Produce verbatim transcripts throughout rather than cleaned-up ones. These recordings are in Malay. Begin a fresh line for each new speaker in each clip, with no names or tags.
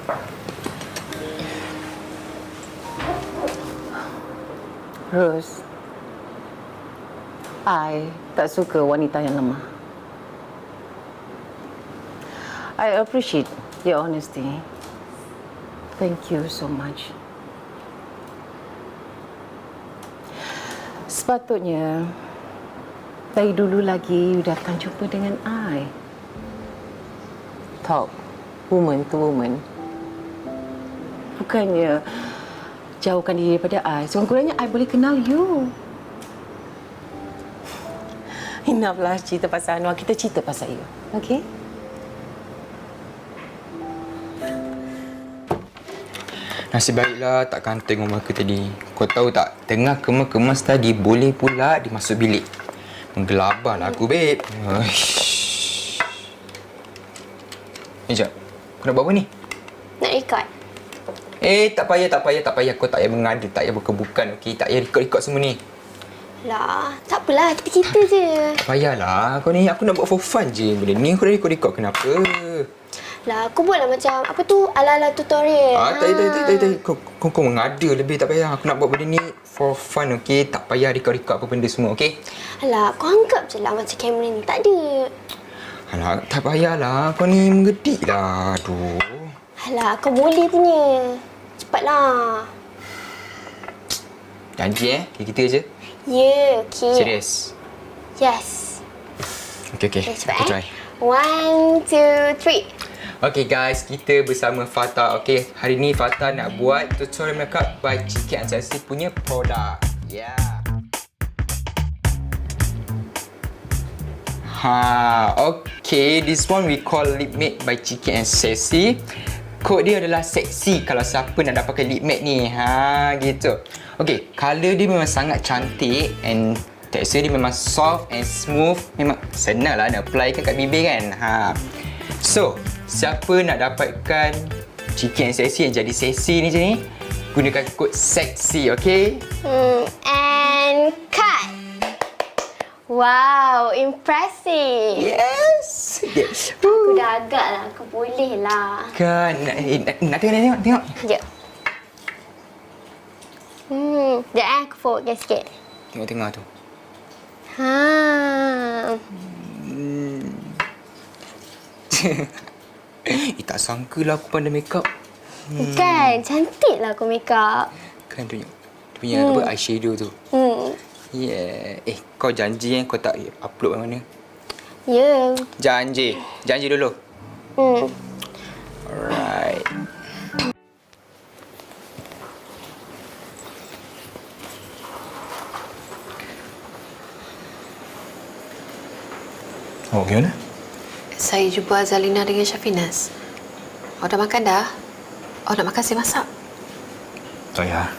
Rose, I tak suka wanita yang lemah. I appreciate your honesty. Thank you so much. Sepatutnya dari dulu lagi you datang jumpa dengan I. Talk woman to woman. Bukannya jauhkan diri daripada I. Sekurang-kurangnya I boleh kenal you. Enough lah cerita pasal Anwar. Kita cerita pasal you. Okay?
Nasib baiklah tak kanteng rumah aku tadi. Kau tahu tak, tengah kemas-kemas tadi boleh pula dia masuk bilik. Menggelabarlah aku, babe. Uish. Eh, jap. Kau nak buat apa ni?
Nak record.
Eh, tak payah, tak payah, tak payah. Kau tak payah mengada, tak payah bukan-bukan, okey? Tak payah record-record semua ni.
Lah, tak apalah. Kita cerita je.
Tak payahlah. Kau ni, aku nak buat for fun je. Benda ni aku dah record-record. Kenapa?
Lah, aku buatlah macam apa tu ala-ala tutorial.
Ah, tak, tak, tak, tak, tak. Kau, kau, kau mengada lebih, tak payah. Aku nak buat benda ni for fun, okey? Tak payah record-record apa benda semua, okey?
Alah, kau anggap je lah macam kamera ni tak ada.
Alah, tak payahlah. Kau ni mengedik lah. Aduh.
Alah, kau boleh punya. Cepatlah.
Janji eh? Kita je?
Ya, yeah, okey.
Serius?
Yes.
Okey, okey.
Okay, cepat
Aku
eh.
try.
One, two, three.
Okay guys, kita bersama Fatah. Okay, hari ni Fatah nak buat tutorial makeup by G K and Sassy punya produk. Yeah. Ha, okay. This one we call Lip Matte by G K and Sassy. Kod dia adalah seksi kalau siapa nak dapat lip matte ni. Ha, gitu. Okay, colour dia memang sangat cantik and tekstur dia memang soft and smooth. Memang senang lah nak apply kan kat bibir kan. Ha. So, siapa nak dapatkan G K and Sassy yang jadi seksi ni je ni, gunakan kod seksi, okay?
Hmm, and cut. Wow, impressive.
Yes! Yes!
Aku dah agak lah. Aku boleh lah.
Kan, nak, eh, nak, nak tengok, nak tengok, tengok.
Sekejap. Hmm, sekejap eh. Aku forwardkan sikit.
Tengok-tengok tu.
Ha.
Hmm. Eh, tak sangka lah aku pandai makeup.
Hmm. Kan, cantik lah aku make up.
Kan tu, tu punya
Hmm.
apa, eyeshadow tu.
Hmm.
Yeah. Eh, kau janji eh, kau tak upload mana?
Ya. Yeah.
Janji. Janji dulu.
Hmm.
Alright. Oh, gimana?
Saya jumpa Azalina dengan Syafinas. Awak dah makan dah? Awak nak makan saya masak?
Tak payah.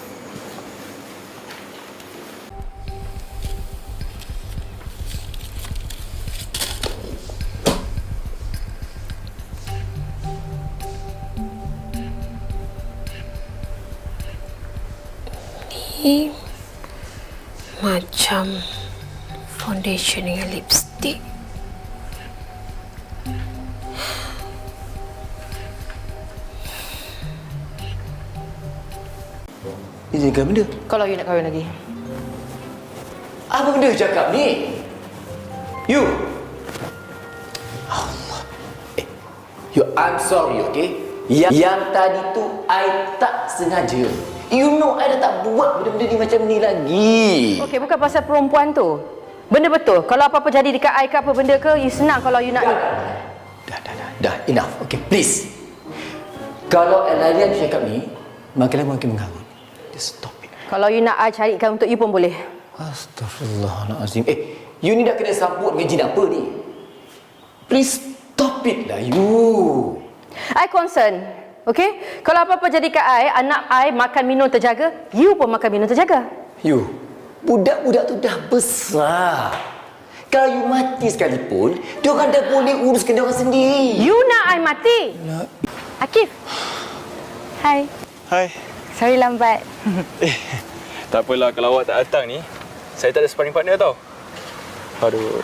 Ini macam foundation dengan lipstick.
Dia jaga benda.
Kalau you nak kahwin lagi.
Apa benda cakap ni? You. Allah. Eh, you, I'm sorry, okay? Yang, yang tadi tu, I tak sengaja. You know, I dah tak buat benda-benda ni macam ni lagi.
Okey, bukan pasal perempuan tu. Benda betul. Kalau apa-apa jadi dekat I ke apa benda ke, you senang kalau you nak ni.
Dah, dah, dah. Dah, enough. Okay, please. Kalau Elaria cakap ni, makin lama makin mengarut. Just stop it.
Kalau you nak I carikan untuk you pun boleh.
Astaghfirullahaladzim. Eh, you ni dah kena sambut dengan jin apa ni? Please stop it lah, you.
I concern. Okey? Kalau apa-apa jadi kat I, anak I makan minum terjaga, you pun makan minum terjaga.
You, budak-budak tu dah besar. Kalau you mati sekalipun, diorang dah boleh uruskan diorang sendiri.
You nak I mati?
Nak.
Akif. Hai.
Hai.
Sorry lambat.
Eh, tak apalah kalau awak tak datang ni. Saya tak ada sparring partner tau. Aduh.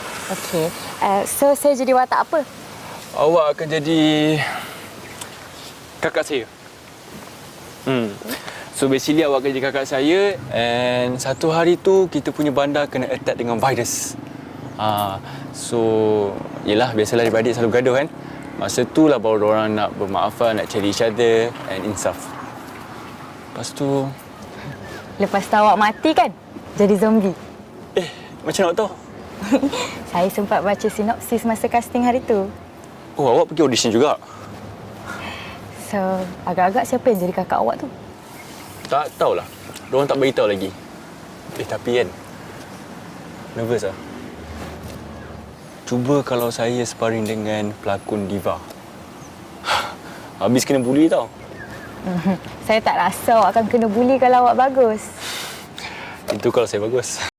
Okey. Uh, so, saya jadi watak apa?
Awak akan jadi kakak saya. Hmm. So basically awak kerja kakak saya and satu hari tu kita punya bandar kena attack dengan virus. Ah, so yelah biasalah adik-adik selalu gaduh kan. Masa tu lah baru orang nak bermaafan, nak cari each other and insaf. Lepas tu
Lepas tu awak mati kan? Jadi zombie.
eh macam nak tahu?
Saya sempat baca sinopsis masa casting hari tu.
Oh, awak pergi audition juga?
So, agak-agak siapa yang jadi kakak awak tu?
Tak tahulah. Diorang tak beritahu lagi. Eh, tapi kan, nervous lah. Cuba kalau saya sparring dengan pelakon diva. Habis kena bully tau.
Saya tak rasa awak akan kena bully kalau awak bagus.
Itu kalau saya bagus.